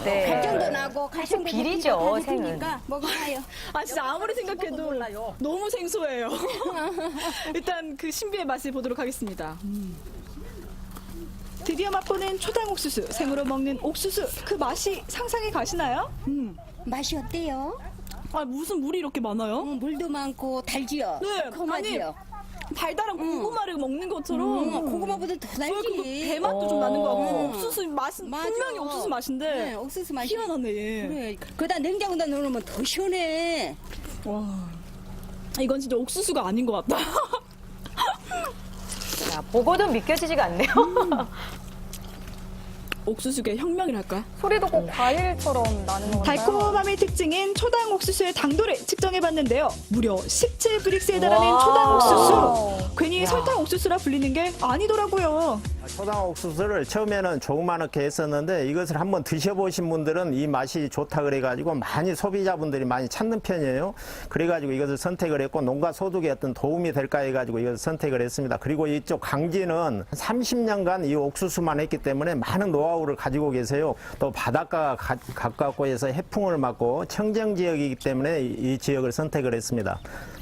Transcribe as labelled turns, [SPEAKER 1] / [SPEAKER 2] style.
[SPEAKER 1] 네.
[SPEAKER 2] 갈증도 나고 갈증도
[SPEAKER 1] 비리죠, 생은.
[SPEAKER 2] 생으니까 먹어봐요.
[SPEAKER 3] 아 진짜 아무리 생각해도 너무 생소해요. 일단 그 신비의 맛을 보도록 하겠습니다. 드디어 맛보는 초당 옥수수, 생으로 먹는 옥수수. 그 맛이 상상이 가시나요?
[SPEAKER 2] 맛이 어때요?
[SPEAKER 3] 아 무슨 물이 이렇게 많아요?
[SPEAKER 2] 물도 많고 달지요.
[SPEAKER 3] 네,
[SPEAKER 2] 고마지요.
[SPEAKER 3] 달달한 고구마를 먹는 것처럼
[SPEAKER 2] 고구마보다 더
[SPEAKER 3] 그
[SPEAKER 2] 달지.
[SPEAKER 3] 배맛도 좀 나는 것 같고
[SPEAKER 2] 음.
[SPEAKER 3] 옥수수 맛은
[SPEAKER 2] 맞아.
[SPEAKER 3] 분명히 옥수수 맛인데
[SPEAKER 2] 네, 옥수수 맛이.
[SPEAKER 3] 희한하네. 얘.
[SPEAKER 2] 그래. 그다 냉장고에다 넣으면 더 시원해.
[SPEAKER 3] 와, 이건 진짜 옥수수가 아닌 것 같다.
[SPEAKER 1] 야, 보고도 믿겨지지가 않네요.
[SPEAKER 3] 옥수수계 혁명이랄까?
[SPEAKER 1] 소리도 꼭 과일처럼 나는 것 같아요.
[SPEAKER 3] 달콤함의 특징인 초당 옥수수의 당도를 측정해봤는데요. 무려 17브릭스에 달하는
[SPEAKER 1] 와.
[SPEAKER 3] 초당 옥수수. 괜히 설탕 옥수수라 불리는 게 아니더라고요.
[SPEAKER 4] 초당 옥수수를 처음에는 조그맣게 했었는데 이것을 한번 드셔보신 분들은 이 맛이 좋다 그래가지고 많이 소비자분들이 많이 찾는 편이에요. 그래가지고 이것을 선택을 했고 농가 소득에 어떤 도움이 될까 해가지고 이것을 선택을 했습니다. 그리고 이쪽 강진은 30년간 이 옥수수만 했기 때문에 많은 노하우를 가지고 계세요. 또 바닷가가 가깝고 해서 해풍을 맞고 청정 지역이기 때문에 이 지역을 선택을 했습니다.